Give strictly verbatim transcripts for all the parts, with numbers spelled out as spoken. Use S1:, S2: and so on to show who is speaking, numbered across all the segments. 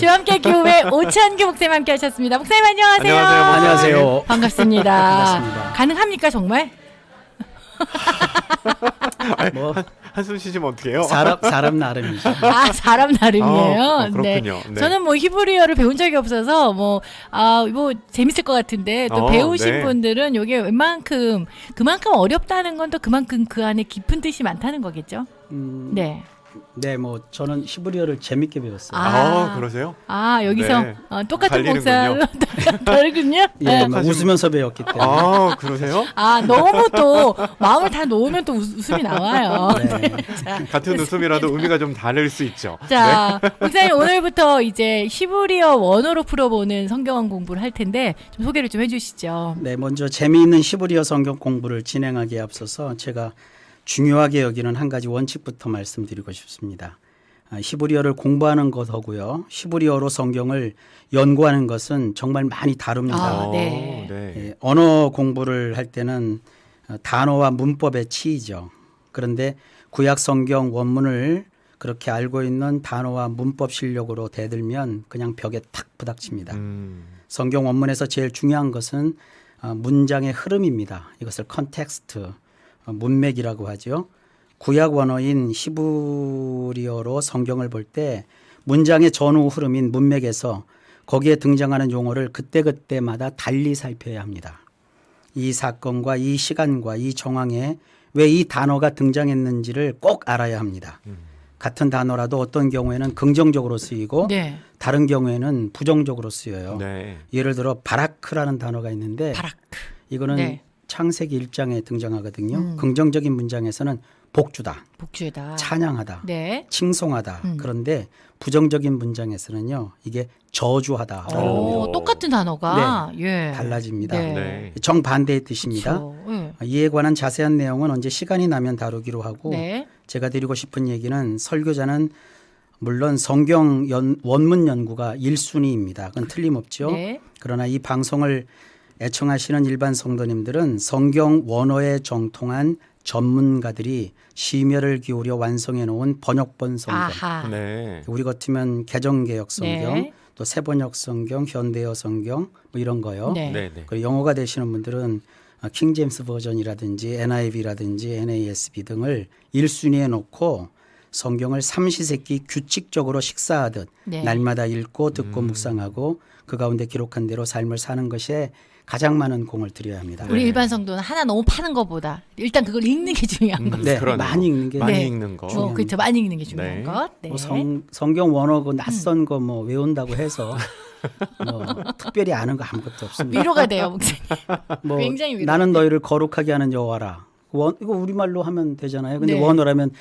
S1: 저와 함께 교회 오찬규 목사님 함께 하셨습니다. 목사님 안녕하세요.
S2: 안녕하세요.
S3: 안녕하세요.
S1: 반갑습니다.
S3: 반갑습니다.
S1: 가능합니까 정말?
S3: 뭐
S2: 한, 한숨 쉬시면 어떡해요?
S3: 사람 사람 나름이죠.
S1: 아 사람 나름이에요.
S2: 아, 어, 그렇군요. 네.
S1: 저는 뭐 히브리어를 배운 적이 없어서 뭐 아 뭐 재밌을 것 같은데 또
S2: 어,
S1: 배우신
S2: 네.
S1: 분들은 이게 웬만큼 그만큼 어렵다는 건 또 그만큼 그 안에 깊은 뜻이 많다는 거겠죠.
S3: 음,
S1: 네.
S3: 네, 뭐 저는 히브리어를 재밌게 배웠어요.
S1: 아.
S2: 아, 그러세요?
S1: 아 여기서
S2: 네.
S1: 어, 똑같은
S2: 갈리는군요.
S1: 목사 다르군요.
S3: 예,
S1: 네.
S3: 뭐 웃으면서 배웠기 때문에.
S2: 아, 그러세요?
S1: 아 너무 또 마음을 다 놓으면 또 웃, 웃음이 나와요.
S3: 네.
S1: 자,
S2: 같은 웃음이라도 의미가 좀 다를 수 있죠.
S1: 자, 목사님 오늘부터 이제 히브리어 원어로 풀어보는 성경 공부를 할 텐데 좀 소개를 좀 해주시죠.
S3: 네, 먼저 재미있는 히브리어 성경 공부를 진행하기에 앞서서 제가 중요하게 여기는 한 가지 원칙부터 말씀드리고 싶습니다. 아, 히브리어를 공부하는 것하고요, 히브리어로 성경을 연구하는 것은 정말 많이 다릅니다.
S1: 아,
S2: 어,
S1: 네.
S2: 네.
S3: 예, 언어 공부를 할 때는 어, 단어와 문법의 치이죠. 그런데 구약 성경 원문을 그렇게 알고 있는 단어와 문법 실력으로 대들면 그냥 벽에 탁 부닥칩니다.
S2: 음,
S3: 성경 원문에서 제일 중요한 것은 어, 문장의 흐름입니다. 이것을 컨텍스트, 어, 문맥이라고 하죠. 구약 원어인 히브리어로 성경을 볼 때 문장의 전후 흐름인 문맥에서 거기에 등장하는 용어를 그때그때마다 달리 살펴야 합니다. 이 사건과 이 시간과 이 정황에 왜 이 단어가 등장했는지를 꼭 알아야 합니다. 같은 단어라도 어떤 경우에는 긍정적으로 쓰이고
S1: 네.
S3: 다른 경우에는 부정적으로 쓰여요.
S2: 네.
S3: 예를 들어 바라크라는 단어가 있는데
S1: 바라크.
S3: 이거는
S1: 네.
S3: 창세기 일 장에 등장하거든요.
S1: 음.
S3: 긍정적인 문장에서는 복주다,
S1: 복주다.
S3: 찬양하다,
S1: 네.
S3: 칭송하다.
S1: 음.
S3: 그런데 부정적인 문장에서는요, 이게 저주하다라는
S2: 오.
S3: 의미로
S1: 오, 똑같은 단어가 예.
S3: 달라집니다.
S1: 네.
S2: 네.
S3: 정반대의 뜻입니다.
S1: 그쵸. 예.
S3: 이에 관한 자세한 내용은 언제 시간이 나면 다루기로 하고
S1: 네.
S3: 제가 드리고 싶은 얘기는 설교자는 물론 성경 연, 원문 연구가 일 순위입니다. 그건 틀림없죠.
S1: 네.
S3: 그러나 이 방송을 애청하시는 일반 성도님들은 성경 원어에 정통한 전문가들이 심혈을 기울여 완성해 놓은 번역본 성경,
S1: 아하.
S2: 네.
S3: 우리 같으면 개정개혁 성경,
S1: 네.
S3: 또 새번역 성경, 현대어 성경 뭐 이런 거요.
S1: 네.
S2: 네. 네.
S3: 그리고 영어가 되시는 분들은 킹제임스 버전이라든지 엔아이브이라든지 엔에이에스비 등을 일 순위에 놓고 성경을 삼시세끼 규칙적으로 식사하듯
S1: 네.
S3: 날마다 읽고 듣고
S2: 음.
S3: 묵상하고 그 가운데 기록한 대로 삶을 사는 것에 가장 많은 공을 들여야 합니다.
S1: 우리
S2: 네.
S1: 일반 성도는 하나 너무 파는 것보다 일단 그걸 읽는 게 중요한 거.
S2: 음,
S3: 네,
S2: 그러네요.
S3: 많이 읽는 게
S2: 많이
S1: 네.
S2: 읽는 거.
S1: 어, 그렇죠. 많이 읽는 게 중요한
S2: 네.
S1: 것. 네.
S3: 뭐 성, 성경 원어고 낯선 거 뭐 외운다고 해서 뭐 특별히 아는 거 아무것도 없습니다.
S1: 위로가 돼요, 목사님.
S3: 뭐
S1: 굉장히 위로가
S3: 나는 너희를 거룩하게 하는 여호와라. 원, 이거 우리말로 하면 되잖아요. 근데
S1: 네.
S3: 원어라면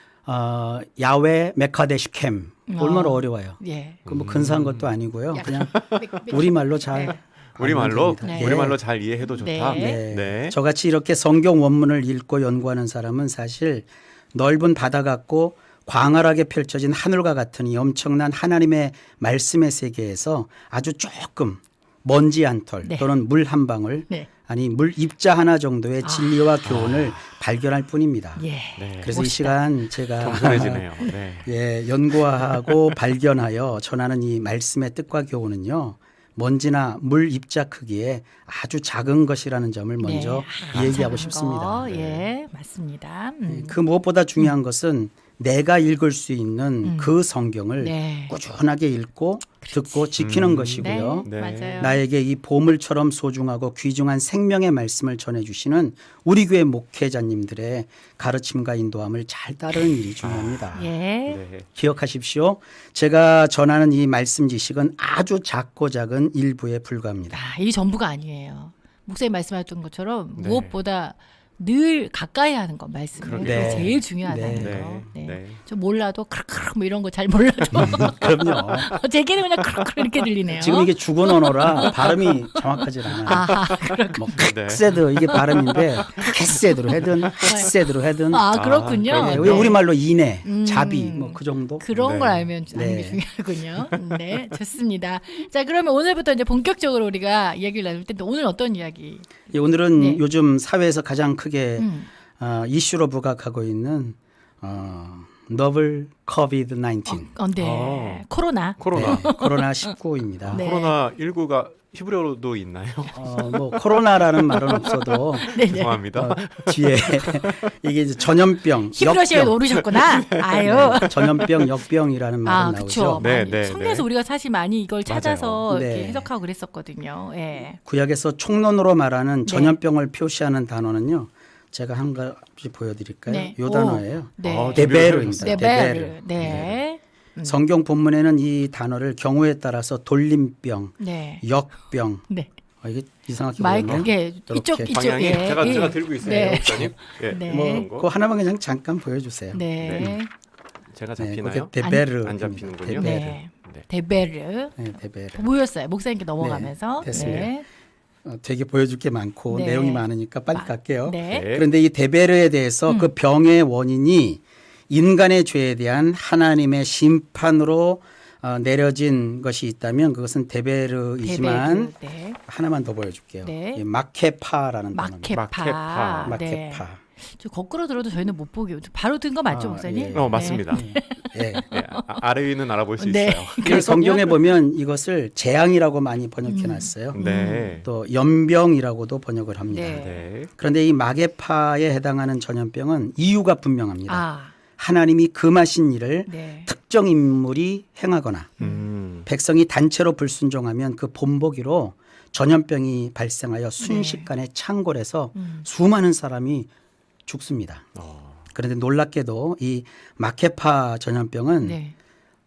S3: 어, 야외 메카데시 캠 얼마나
S1: 어.
S3: 어려워요.
S1: 예.
S3: 그 뭐 근사한 것도 아니고요. 그냥
S1: 매- 매-
S3: 우리말로 잘
S1: 네.
S2: 우리말로
S3: 알면 됩니다.
S1: 네.
S2: 우리말로 잘 이해해도 좋다.
S1: 네.
S3: 네.
S2: 네.
S3: 저같이 이렇게 성경 원문을 읽고 연구하는 사람은 사실 넓은 바다 같고 광활하게 펼쳐진 하늘과 같은 이 엄청난 하나님의 말씀의 세계에서 아주 조금 먼지 한 털
S1: 네.
S3: 또는 물 한 방울
S1: 네.
S3: 아니 물 입자 하나 정도의
S1: 아.
S3: 진리와 교훈을 발견할 뿐입니다.
S1: 예.
S2: 네.
S3: 그래서 이
S1: 멋있다.
S3: 시간 제가
S2: 겸손해지네요. 네.
S3: 예, 연구하고 발견하여 전하는 이 말씀의 뜻과 교훈은요. 먼지나 물 입자 크기에 아주 작은 것이라는 점을 먼저
S1: 네. 아,
S3: 얘기하고
S1: 작은
S3: 싶습니다.
S1: 거. 예, 맞습니다. 음.
S3: 그 무엇보다 중요한 것은 내가 읽을 수 있는
S1: 음.
S3: 그 성경을
S1: 네.
S3: 꾸준하게 읽고 듣고 지키는
S2: 음.
S3: 것이고요.
S2: 네.
S1: 맞아요.
S3: 나에게 이 보물처럼 소중하고 귀중한 생명의 말씀을 전해주시는 우리 교회 목회자님들의 가르침과 인도함을 잘 따르는 일이 중요합니다.
S1: 예.
S2: 네.
S3: 기억하십시오. 제가 전하는 이 말씀 지식은 아주 작고 작은 일부에 불과합니다.
S1: 아, 이 전부가 아니에요. 목사님 말씀하셨던 것처럼
S2: 네.
S1: 무엇보다 늘 가까이 하는 거 말씀을
S2: 그러게요.
S1: 그게
S3: 네.
S1: 제일 중요하다는
S3: 네.
S1: 거. 네.
S2: 네.
S1: 저 몰라도 크르크르 뭐 이런 거 잘 몰라도
S3: 그럼요.
S1: 제게는 그냥 크르크르 이렇게 들리네요.
S3: 지금 이게 죽은 언어라 발음이 정확하지 않아요.
S1: 아하,
S3: 뭐
S2: 네.
S3: 캣세드 이게 발음인데 캣세드로 해든 햇세드로 해든
S1: 아 그렇군요.
S2: 아,
S3: 네,
S2: 그러네요.
S3: 왜 우리말로 이내,
S1: 음.
S3: 자비 뭐 그 정도.
S1: 그런
S2: 네.
S1: 걸 알면 아는 게
S3: 네.
S1: 중요하군요. 네, 좋습니다. 자, 그러면 오늘부터 이제 본격적으로 우리가 이야기를 나눌 텐데 오늘 어떤 이야기?
S3: 예, 오늘은
S1: 네.
S3: 요즘 사회에서 가장 크게
S1: 음.
S3: 어, 이슈로 부각하고 있는 어, novel 코비드 나인틴.
S1: 어, 네.
S2: 어.
S1: 코로나.
S2: 코로나.
S3: 네, 코로나 십구입니다.
S1: 네.
S2: 코로나 십구가 히브리어로도 있나요?
S3: 어, 뭐 코로나라는 말은 없어도
S1: 네, 네.
S2: 죄송합니다.
S3: 어, 뒤에 이게 이제 전염병,
S1: 히브리어시에
S3: 역병,
S1: 오르셨구나. 아유.
S3: 네, 전염병, 역병이라는 말은
S1: 아,
S3: 나오죠.
S1: 그렇죠.
S2: 네,
S1: 많이
S2: 네,
S1: 성경에서
S2: 네.
S1: 우리가 사실 많이 이걸 찾아서
S3: 맞아요.
S1: 이렇게
S3: 네.
S1: 해석하고 그랬었거든요. 예.
S3: 구약에서 총론으로 말하는
S1: 네.
S3: 전염병을 표시하는 단어는요. 제가 한 가지 보여드릴까요?
S1: 네.
S3: 이
S1: 오.
S3: 단어예요.
S1: 네.
S2: 어,
S3: 데베르입니다.
S1: 네,
S3: 데베르.
S1: 베르. 네. 음.
S3: 성경 본문에는 이 단어를 경우에 따라서 돌림병,
S1: 네.
S3: 역병.
S1: 네.
S3: 어, 이게 이상하게
S1: 마이크
S3: 보이네요.
S1: 예, 이쪽
S3: 이렇게.
S1: 이쪽
S2: 방향이
S1: 예.
S2: 제가
S1: 예.
S2: 제가 들고 있어요,
S1: 네.
S2: 목사님. 예.
S1: 네.
S3: 뭐
S2: 그런 거.
S3: 그 하나만 그냥 잠깐 보여주세요.
S1: 네.
S2: 네. 제가
S3: 네,
S2: 잡히나요?
S3: 그게 데베르.
S2: 안 잡히는군요.
S1: 네.
S2: 네.
S1: 데베르.
S3: 네, 데베르.
S1: 보였어요. 목사님께 넘어가면서.
S3: 네, 됐습니다.
S1: 네.
S3: 어, 되게 보여줄 게 많고
S1: 네.
S3: 내용이 많으니까 빨리
S1: 마-
S3: 갈게요.
S1: 네.
S2: 네.
S3: 그런데 이 데베르에 대해서
S1: 음.
S3: 그 병의 원인이 인간의 죄에 대한 하나님의 심판으로 어, 내려진 것이 있다면 그것은 데베르이지만
S1: 데베르. 네.
S3: 하나만 더 보여줄게요.
S1: 네.
S3: 이 마케파라는 단어입니다.
S1: 마케파.
S2: 마케파.
S1: 네.
S3: 마케파.
S1: 저 거꾸로 들어도 저희는 못 보게. 바로 든 거 맞죠,
S3: 아,
S1: 목사님?
S3: 예.
S2: 어, 맞습니다.
S3: 예.
S2: 네, 아, 아래 위는 알아볼 수
S1: 네.
S2: 있어요.
S3: 그 성경에 보면 이것을 재앙이라고 많이 번역해 놨어요.
S2: 네.
S3: 또 연병이라고도 번역을 합니다.
S1: 네.
S2: 네.
S3: 그런데 이 마개파에 해당하는 전염병은 이유가 분명합니다.
S1: 아,
S3: 하나님이 금하신 일을
S1: 네.
S3: 특정 인물이 행하거나
S2: 음.
S3: 백성이 단체로 불순종하면 그 본보기로 전염병이 발생하여 순식간에 창궐해서
S1: 음.
S3: 수많은 사람이 죽습니다.
S2: 어.
S3: 그런데 놀랍게도 이 마케파 전염병은
S1: 네.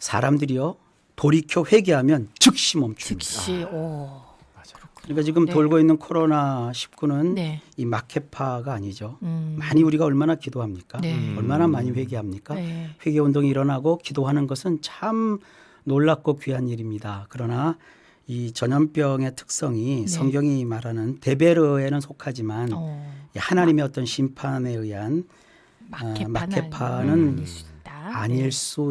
S3: 사람들이요 돌이켜 회개하면 즉시 멈춥니다.
S1: 즉시 오.
S2: 맞아요.
S3: 그러니까 지금
S1: 네.
S3: 돌고 있는 코로나 십구는
S1: 네.
S3: 이 마케파가 아니죠.
S1: 음.
S3: 많이 우리가 얼마나 기도합니까?
S1: 네.
S2: 음.
S3: 얼마나 많이 회개합니까?
S1: 네.
S3: 회개 운동이 일어나고 기도하는 것은 참 놀랍고 귀한 일입니다. 그러나 이 전염병의 특성이
S1: 네.
S3: 성경이 말하는 데베르에는 속하지만
S1: 어.
S3: 이 하나님의 어떤 심판에 의한
S1: 마케파는,
S3: 마케파는
S1: 아닐 수 있다.
S3: 아닐 수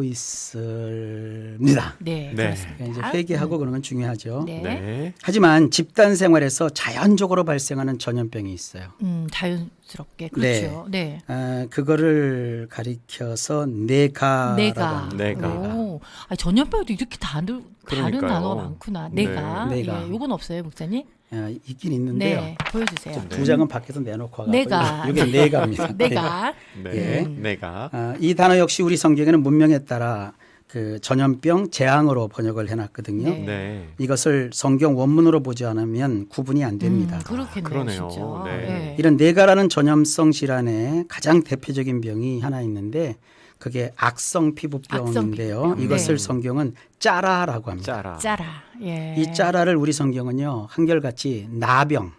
S3: 있습니다.
S1: 네.
S2: 네.
S1: 그렇습니다.
S3: 그러니까 이제 회개하고 그런 건 중요하죠.
S1: 네.
S2: 네.
S3: 하지만 집단 생활에서 자연적으로 발생하는 전염병이 있어요.
S1: 음, 자연스럽게 그렇죠. 네.
S3: 아, 그거를 가리켜서 내가라고
S1: 내가.
S3: 합니다.
S2: 내가.
S1: 오. 아니, 전염병도 이렇게 다른 다른
S2: 그러니까요.
S1: 단어가 많구나.
S2: 네.
S1: 내가.
S3: 내가.
S1: 예, 요건 없어요, 목사님?
S3: 아, 있긴 있는데요.
S1: 네. 보여주세요.
S3: 두 장은 밖에서 내놓고 가고
S1: 내가.
S3: 이게 내가입니다.
S1: 내가.
S2: 네.
S3: 예.
S2: 내가.
S3: 아, 이 단어 역시 우리 성경에는 문명에 따라 그 전염병 재앙으로 번역을 해놨거든요.
S1: 네.
S2: 네.
S3: 이것을 성경 원문으로 보지 않으면 구분이 안 됩니다.
S1: 음, 그렇겠네요,
S2: 그러네요.
S1: 진짜.
S2: 네.
S1: 예.
S3: 이런 내가라는 전염성 질환의 가장 대표적인 병이 하나 있는데 그게 악성 피부병인데요.
S1: 악성 피부병.
S3: 이것을
S1: 네.
S3: 성경은 짜라라고 합니다.
S2: 짜라.
S1: 짜라. 예.
S3: 이 짜라를 우리 성경은요 한결같이 나병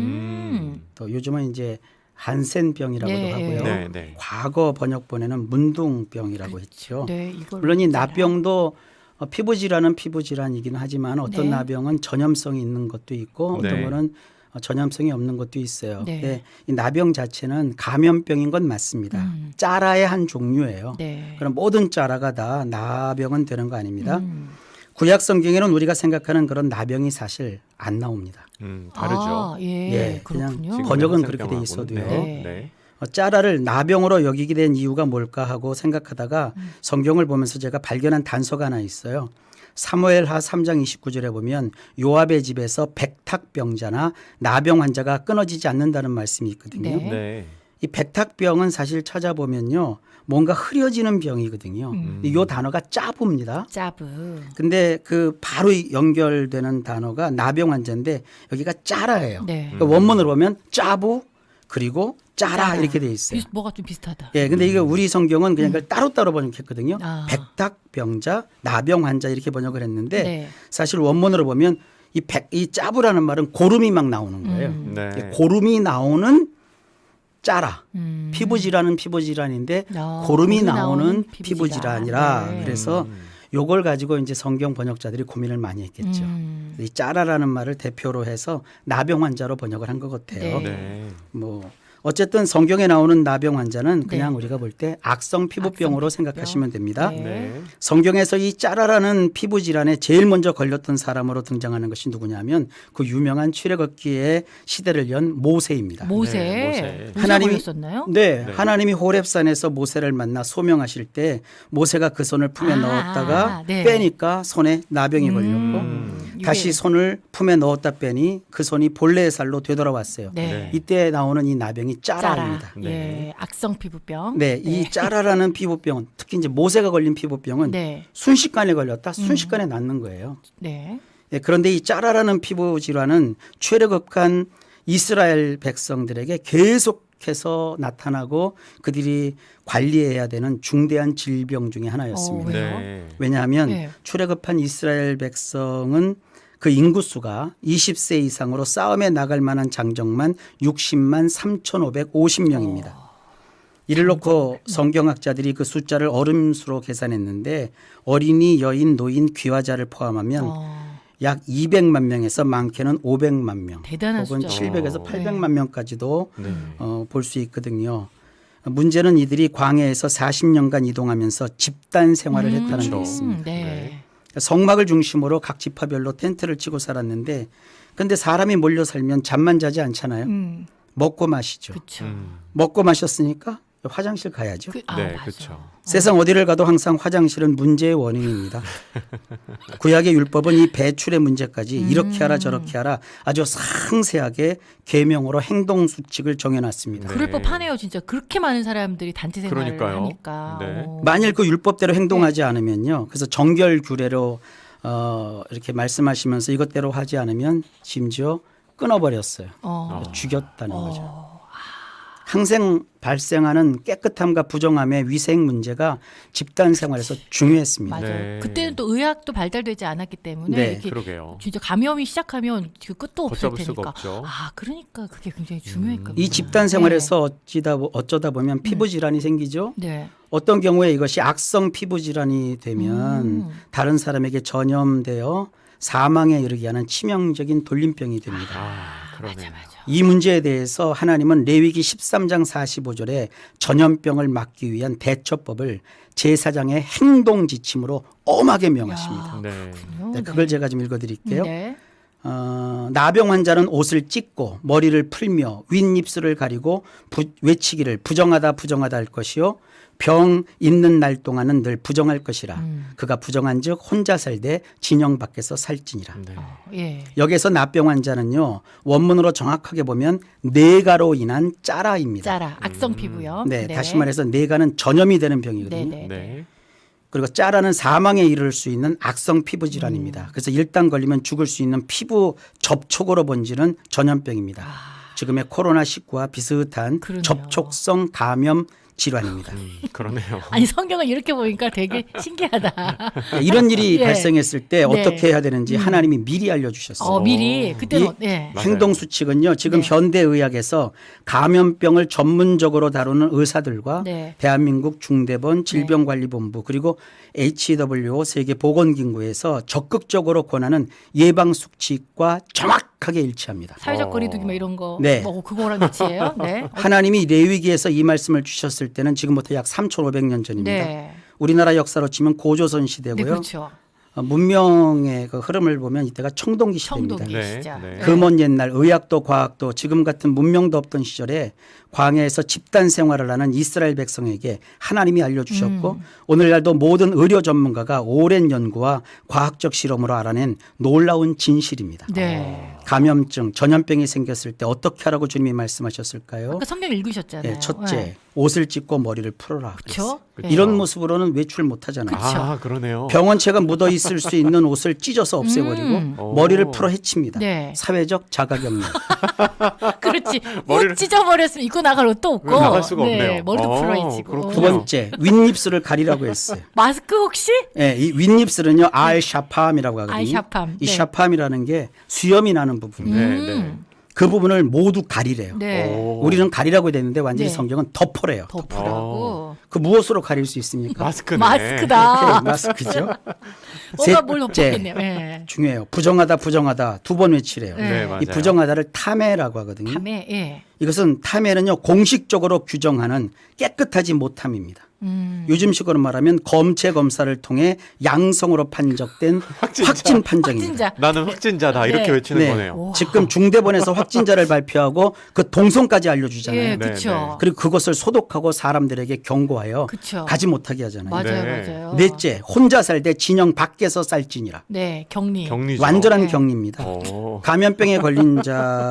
S1: 음.
S3: 또 요즘은 이제 한센병이라고도
S1: 네,
S3: 하고요.
S2: 네, 네.
S3: 과거 번역본에는 문둥병이라고 했죠.
S1: 네, 이걸
S3: 물론 이
S1: 짜라.
S3: 나병도 어, 피부 질환은 피부 질환이긴 하지만 어떤
S1: 네.
S3: 나병은 전염성이 있는 것도 있고 어떤
S2: 네.
S3: 거는 어, 전염성이 없는 것도 있어요.
S1: 네.
S3: 근데 이 나병 자체는 감염병인 건 맞습니다.
S1: 음.
S3: 짜라의 한 종류예요.
S1: 네.
S3: 그럼 모든 짜라가 다 나병은 되는 거 아닙니다.
S1: 음.
S3: 구약 성경에는 우리가 생각하는 그런 나병이 사실 안 나옵니다.
S2: 음, 다르죠.
S1: 아, 예,
S3: 예, 그냥
S1: 그렇군요.
S3: 지금 번역은
S2: 한센병하고는.
S3: 그렇게 돼 있어도요.
S2: 네.
S1: 네.
S2: 네.
S3: 어, 짜라를 나병으로 여기게 된 이유가 뭘까 하고 생각하다가
S1: 음.
S3: 성경을 보면서 제가 발견한 단서가 하나 있어요. 사무엘하 삼 장 이십구 절에 보면 요압의 집에서 백탁병자나 나병 환자가 끊어지지 않는다는 말씀이 있거든요.
S1: 네.
S2: 네.
S3: 이 백탁병은 사실 찾아보면요. 뭔가 흐려지는 병이거든요.
S1: 음.
S3: 이 단어가 짜부입니다.
S1: 짜브.
S3: 근데 그 바로 연결되는 단어가 나병 환자인데 여기가 짜라예요.
S1: 네.
S3: 그러니까 원문으로 보면 짜부 그리고 짜라
S1: 짜라.
S3: 이렇게 돼 있어요.
S1: 비, 뭐가 좀 비슷하다.
S3: 예, 근데 이거 우리 성경은 그냥 그걸 따로따로 번역했거든요.
S1: 아.
S3: 백탁병자, 나병 환자 이렇게 번역을 했는데
S1: 네.
S3: 사실 원문으로 보면 이 백, 이 짜부라는 말은 고름이 막 나오는 거예요.
S1: 음.
S2: 네.
S3: 고름이 나오는 짜라.
S1: 음.
S3: 피부 질환은 피부 질환인데
S1: 아,
S3: 고름이
S1: 고름이
S3: 나오는
S1: 나오는
S3: 피부
S1: 피부 질환.
S3: 질환이라
S1: 네.
S3: 그래서
S2: 음.
S3: 요걸 가지고 이제 성경 번역자들이 고민을 많이 했겠죠.
S1: 음.
S3: 이 짜라라는 말을 대표로 해서 나병 환자로 번역을 한 것 같아요.
S1: 네.
S2: 네.
S3: 뭐 어쨌든 성경에 나오는 나병 환자는
S1: 네.
S3: 그냥 우리가 볼 때 악성 피부병으로
S1: 악성
S3: 생각하시면 됩니다.
S1: 네.
S2: 네.
S3: 성경에서 이 짜라라는 피부 질환에 제일 먼저 걸렸던 사람으로 등장하는 것이 누구냐면 그 유명한 출애굽기의 시대를 연 모세입니다.
S1: 모세.
S2: 네, 모세.
S1: 모세
S3: 하나님이-
S1: 걸렸었나요?
S3: 네,
S2: 네.
S3: 하나님이 호렙산에서 모세를 만나 소명하실 때 모세가 그 손을 품에
S1: 아,
S3: 넣었다가
S1: 네.
S3: 빼니까 손에 나병이
S1: 음,
S3: 걸렸고
S1: 이게-
S3: 다시 손을 품에 넣었다 빼니 그 손이 본래의 살로 되돌아왔어요.
S1: 네.
S2: 네.
S3: 이때 나오는 이 나병이
S1: 짜라.
S3: 짜라입니다.
S2: 네.
S1: 예, 악성 피부병.
S3: 네, 이 짜라라는 피부병은 특히 이제 모세가 걸린 피부병은
S1: 네.
S3: 순식간에 걸렸다 순식간에 낫는 거예요.
S1: 네.
S3: 네, 그런데 이 짜라라는 피부 질환은 출애굽한 이스라엘 백성들에게 계속해서 나타나고 그들이 관리해야 되는 중대한 질병 중에 하나였습니다.
S1: 어, 왜요?
S2: 네.
S3: 왜냐하면
S1: 네.
S3: 출애굽한 이스라엘 백성은 그 인구 수가 이십 세 이상으로 싸움에 나갈 만한 장정만 육십만 삼천오백오십 명입니다. 이를 놓고 성경학자들이 그 숫자를 어름수로 계산했는데 어린이, 여인, 노인, 귀화자를 포함하면
S1: 어,
S3: 약 이백만 명에서 많게는 오백만 명,
S1: 대단한
S3: 혹은
S1: 숫자죠.
S3: 칠백에서
S2: 어.
S3: 팔백만 명까지도
S2: 네.
S3: 어, 볼 수 있거든요. 문제는 이들이 광야에서 사십 년간 이동하면서 집단 생활을 했다는 게
S2: 그렇죠.
S3: 있습니다.
S1: 네.
S2: 네.
S3: 성막을 중심으로 각 지파별로 텐트를 치고 살았는데 근데 사람이 몰려 살면 잠만 자지 않잖아요.
S1: 음,
S3: 먹고 마시죠.
S1: 그렇죠.
S2: 음.
S3: 먹고 마셨으니까 화장실 가야죠.
S1: 그, 아,
S2: 네,
S1: 맞아.
S2: 그렇죠.
S3: 세상 어디를 가도 항상 화장실은 문제의 원인입니다. 구약의 율법은 이 배출의 문제까지
S1: 음.
S3: 이렇게 하라 저렇게 하라 아주 상세하게 계명으로 행동 수칙을 정해놨습니다.
S2: 네.
S1: 그럴 법하네요, 진짜. 그렇게 많은 사람들이 단체 생활을
S2: 그러니까요.
S1: 하니까.
S2: 네.
S1: 어.
S3: 만일 그 율법대로 행동하지
S1: 네.
S3: 않으면요. 그래서 정결 규례로 어, 이렇게 말씀하시면서 이것대로 하지 않으면 심지어 끊어버렸어요.
S1: 어.
S3: 죽였다는
S1: 어.
S3: 거죠. 항상 발생하는 깨끗함과 부정함의 위생 문제가 집단 생활에서 중요했습니다.
S1: 맞아요.
S2: 네.
S1: 그때는 또 의학도 발달되지 않았기 때문에
S3: 네.
S1: 이렇게
S2: 그러게요.
S1: 진짜 감염이 시작하면 그 끝도 없을
S2: 걷잡을 수가
S1: 테니까.
S2: 없죠.
S1: 아, 그러니까 그게 굉장히 중요했거든요.
S3: 이 집단 생활에서 어찌다 보- 어쩌다 보면 피부 질환이 생기죠.
S1: 네.
S3: 어떤 경우에 이것이 악성 피부 질환이 되면
S1: 음.
S3: 다른 사람에게 전염되어 사망에 이르게 하는 치명적인 돌림병이 됩니다.
S2: 아, 그러네요.
S3: 이 문제에 대해서 하나님은 레위기 십삼 장 사십오 절에 전염병을 막기 위한 대처법을 제사장의 행동 지침으로 엄하게 명하십니다.
S2: 네.
S3: 네, 그걸 제가 좀 읽어드릴게요.
S1: 네.
S3: 어, 나병 환자는 옷을 찢고 머리를 풀며 윗입술을 가리고 부, 외치기를 부정하다 부정하다 할 것이요 병 있는 날 동안은 늘 부정할 것이라.
S1: 음.
S3: 그가 부정한즉 혼자 살되 진영 밖에서 살지니라.
S2: 네.
S1: 예.
S3: 여기서 나병 환자는요 원문으로 정확하게 보면 내가로 인한 짜라입니다.
S1: 짜라, 악성 피부염.
S3: 네, 다시 말해서 내가는 전염이 되는 병이거든요.
S1: 네, 네.
S2: 네.
S3: 그리고 짜라는 사망에 이를 수 있는 악성 피부 질환입니다.
S1: 음.
S3: 그래서 일단 걸리면 죽을 수 있는 피부 접촉으로 번지는 전염병입니다. 지금의 코로나 십구와 비슷한
S1: 아. 그러네요.
S3: 접촉성 감염 질환입니다.
S2: 음, 그러네요.
S1: 아니 성경을 이렇게 보니까 되게 신기하다.
S3: 네, 이런 일이
S1: 예.
S3: 발생했을 때
S1: 네.
S3: 어떻게 해야 되는지 하나님이 미리 알려주셨어요.
S1: 어, 미리 그때는
S3: 이-
S1: 어, 네.
S2: 맞아요.
S3: 행동 수칙은요. 지금
S1: 네.
S3: 현대의학에서 감염병을 전문적으로 다루는 의사들과
S1: 네.
S3: 대한민국 중대본 질병관리본부 그리고 에이치더블유오 세계보건기구에서 적극적으로 권하는 예방 수칙과 정확하게 일치합니다.
S1: 사회적
S2: 어.
S1: 거리두기 뭐 이런 거.
S3: 네.
S1: 뭐 그거랑 같이예요. 네.
S3: 하나님이 레위기에서 이 말씀을 주셨을 때는 지금부터 약 삼천오백 년 전입니다.
S1: 네.
S3: 우리나라 역사로 치면 고조선 시대고요.
S1: 네, 그렇죠.
S3: 어, 문명의 그 흐름을 보면 이때가 청동기 시대입니다.
S1: 청동기
S2: 네,
S1: 시작.
S2: 네.
S3: 그 먼 옛날 의학도 과학도 지금 같은 문명도 없던 시절에 광야에서 집단 생활을 하는 이스라엘 백성에게 하나님이 알려주셨고
S1: 음.
S3: 오늘날도 모든 의료 전문가가 오랜 연구와 과학적 실험으로 알아낸 놀라운 진실입니다.
S1: 네.
S3: 감염증, 전염병이 생겼을 때 어떻게 하라고 주님이 말씀하셨을까요?
S1: 아까 성경 읽으셨잖아요.
S3: 예, 첫째,
S1: 네.
S3: 옷을 찢고 머리를 풀어라.
S1: 그렇죠.
S2: 그쵸.
S3: 이런 모습으로는 외출 못 하잖아요.
S1: 그쵸.
S2: 아, 그러네요.
S3: 병원체가 묻어 있을 수 있는 옷을 찢어서 없애버리고
S1: 음.
S3: 머리를
S2: 오.
S3: 풀어 해칩니다.
S1: 네.
S3: 사회적 자가격리.
S1: 그렇지.
S2: 머리를-
S1: 옷 찢어버렸으면 입고 나갈 옷도 없고.
S2: 나갈 수가
S1: 네.
S2: 없네요.
S1: 머리도
S2: 어,
S1: 풀어헤치고.
S2: 그렇군요.
S3: 두 번째, 윗입술을 가리라고 했어요.
S1: 마스크 혹시?
S3: 예, 이 윗입술은요, 알 샤팜이라고 하거든요.
S1: 알 샤팜.
S3: 이
S1: 네.
S3: 샤팜이라는 게 수염이 나는 부분.
S2: 네,
S1: 음.
S2: 네.
S3: 그 부분을 모두 가리래요.
S1: 네.
S2: 오.
S3: 우리는 가리라고 되는데 완전히
S2: 어.
S1: 네.
S3: 성경은 덮으래요.
S1: 덮으라고.
S3: 그 무엇으로 가릴 수 있습니까?
S2: 마스크네.
S1: 마스크다.
S3: 네, 마스크죠.
S1: 뭔가 뭘
S3: 셋째,
S1: 덮었겠네요. 예.
S3: 중요해요. 부정하다, 부정하다 두 번 외치래요.
S1: 네.
S2: 네, 맞아요.
S3: 이 부정하다를 탐해라고 하거든요.
S1: 밤에 예.
S3: 이것은 탐해는요 공식적으로 규정하는 깨끗하지 못함입니다.
S1: 음.
S3: 요즘식으로 말하면 검체 검사를 통해 양성으로 판정된
S2: 확진자.
S3: 확진 판정입니다.
S1: 확진자.
S2: 나는 확진자다 이렇게
S1: 네.
S2: 외치는
S3: 네.
S2: 거네요.
S1: 오.
S3: 지금 중대본에서 확진자를 발표하고 그 동선까지 알려주잖아요.
S1: 예,
S2: 네,
S1: 그렇죠.
S2: 네.
S3: 그리고 그것을 소독하고 사람들에게 경고하여
S1: 그쵸.
S3: 가지 못하게 하잖아요.
S1: 맞아요,
S2: 네.
S1: 맞아요.
S3: 넷째, 혼자 살 때 진영 밖에서 쌀진이라.
S1: 네, 격리.
S2: 격리죠.
S3: 완전한
S1: 네.
S3: 격리입니다.
S2: 오.
S3: 감염병에 걸린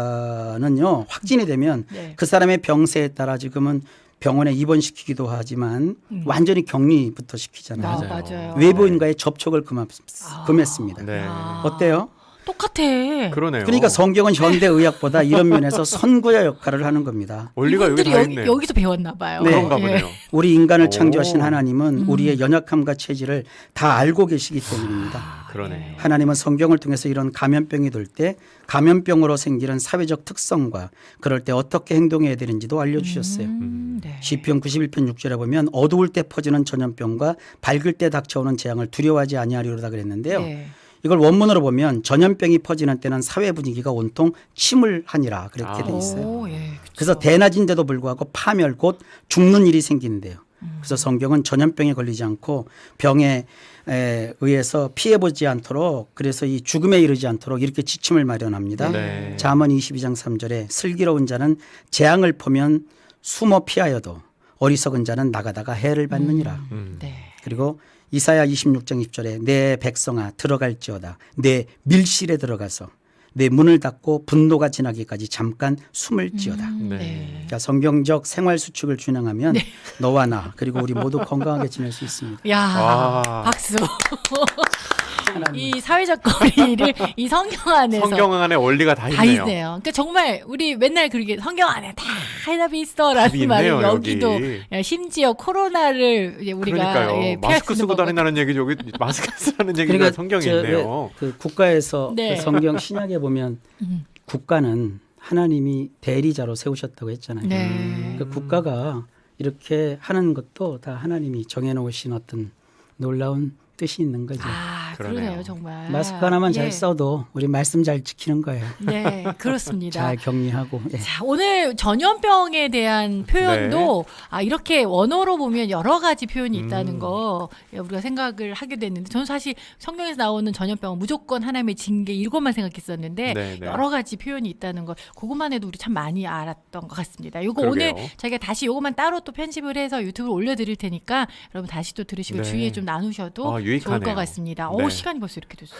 S3: 자는요 확진이 되면
S1: 네.
S3: 그 사람의 병세에 따라 지금은 병원에 입원시키기도 하지만
S1: 음.
S3: 완전히 격리부터 시키잖아요.
S1: 아,
S2: 맞아요.
S1: 맞아요.
S3: 외부인과의 접촉을 금합,
S1: 아.
S3: 금했습니다.
S2: 네.
S1: 아.
S3: 어때요?
S1: 똑같아.
S2: 그러네요.
S3: 그러니까 성경은 현대의학보다 이런 면에서 선구자 역할을 하는 겁니다.
S2: 원리가 여기
S1: 이분들이
S2: 다
S1: 여기,
S2: 있네요.
S1: 여기서 배웠나 봐요.
S3: 네.
S2: 그런가
S1: 예.
S2: 보네요.
S3: 우리 인간을
S2: 오.
S3: 창조하신 하나님은
S1: 음.
S3: 우리의 연약함과 체질을 다 알고 계시기 때문입니다.
S1: 아,
S2: 그러네.
S3: 하나님은 성경을 통해서 이런 감염병이 돌 때 감염병으로 생기는 사회적 특성과 그럴 때 어떻게 행동해야 되는지도 알려주셨어요.
S1: 음, 네.
S3: 시편 구십일 편 육 절에 보면 어두울 때 퍼지는 전염병과 밝을 때 닥쳐오는 재앙을 두려워하지 아니하리로다 그랬는데요.
S1: 네.
S3: 이걸 원문으로 보면 전염병이 퍼지는 때는 사회 분위기가 온통 침울하니라 그렇게
S2: 아.
S3: 돼 있어요.
S1: 오, 예, 그쵸.
S3: 그래서 대낮인데도 불구하고 파멸 곧 죽는 일이 생기는데요.
S1: 음.
S3: 그래서 성경은 전염병에 걸리지 않고 병에 에 의해서 피해보지 않도록 그래서 이 죽음에 이르지 않도록 이렇게 지침을 마련합니다.
S2: 네.
S3: 잠언 이십이 장 삼 절에 슬기로운 자는 재앙을 보면 숨어 피하여도 어리석은 자는 나가다가 해를 받느니라.
S2: 음.
S1: 네.
S3: 그리고 이사야 이십육 장 십 절에 내 백성아 들어갈지어다 내 밀실에 들어가서 내 문을 닫고 분노가 지나기까지 잠깐 숨을지어다.
S1: 음,
S2: 네.
S1: 네.
S3: 그러니까 성경적 생활 수칙을 준행하면 너와 나 그리고 우리 모두 건강하게 지낼 수 있습니다.
S1: 야,
S2: 와.
S1: 박수. 이 사회적 거리를 이 성경 안에서
S2: 성경 안에 원리가 다
S1: 다
S2: 있네요.
S1: 있네요. 그러니까 정말 우리 맨날 그렇게 성경 안에 다 해답이
S2: 답이
S1: 있어라는 말을
S2: 있네요,
S1: 여기도
S2: 여기.
S1: 야, 심지어 코로나를 이제 우리가
S2: 그러니까요.
S1: 예, 피할
S2: 마스크
S1: 수
S2: 쓰고
S1: 있는 방법.
S2: 다닌다는 얘기 저기 마스크 쓰라는 얘기가 성경에
S3: 저
S2: 있네요.
S3: 왜 그 국가에서
S1: 네.
S3: 그 성경 신약에 보면
S1: 음.
S3: 국가는 하나님이 대리자로 세우셨다고 했잖아요.
S1: 네.
S3: 그 국가가 이렇게 하는 것도 다 하나님이 정해놓으신 어떤 놀라운 뜻이 있는 거죠.
S1: 아,
S2: 그러네요.
S1: 그러네요, 정말.
S3: 마스크 하나만 잘
S1: 예.
S3: 써도 우리 말씀 잘 지키는 거예요.
S1: 네, 그렇습니다.
S3: 잘 격리하고. 예.
S1: 자, 오늘 전염병에 대한 표현도
S2: 네.
S1: 아, 이렇게 원어로 보면 여러 가지 표현이 있다는
S2: 음.
S1: 거 예, 우리가 생각을 하게 됐는데 저는 사실 성경에서 나오는 전염병은 무조건 하나님의 징계 이것만 생각했었는데
S2: 네, 네.
S1: 여러 가지 표현이 있다는 걸 그것만 해도 우리 참 많이 알았던 것 같습니다. 요거
S2: 그러게요.
S1: 오늘 저희가 다시 요것만 따로 또 편집을 해서 유튜브에 올려드릴 테니까 여러분 다시 또 들으시고
S2: 네.
S1: 주위에 좀 나누셔도
S2: 아,
S1: 좋을
S2: 유익하네요.
S1: 것 같습니다.
S2: 네.
S1: 오, 시간이 벌써 이렇게 됐어요.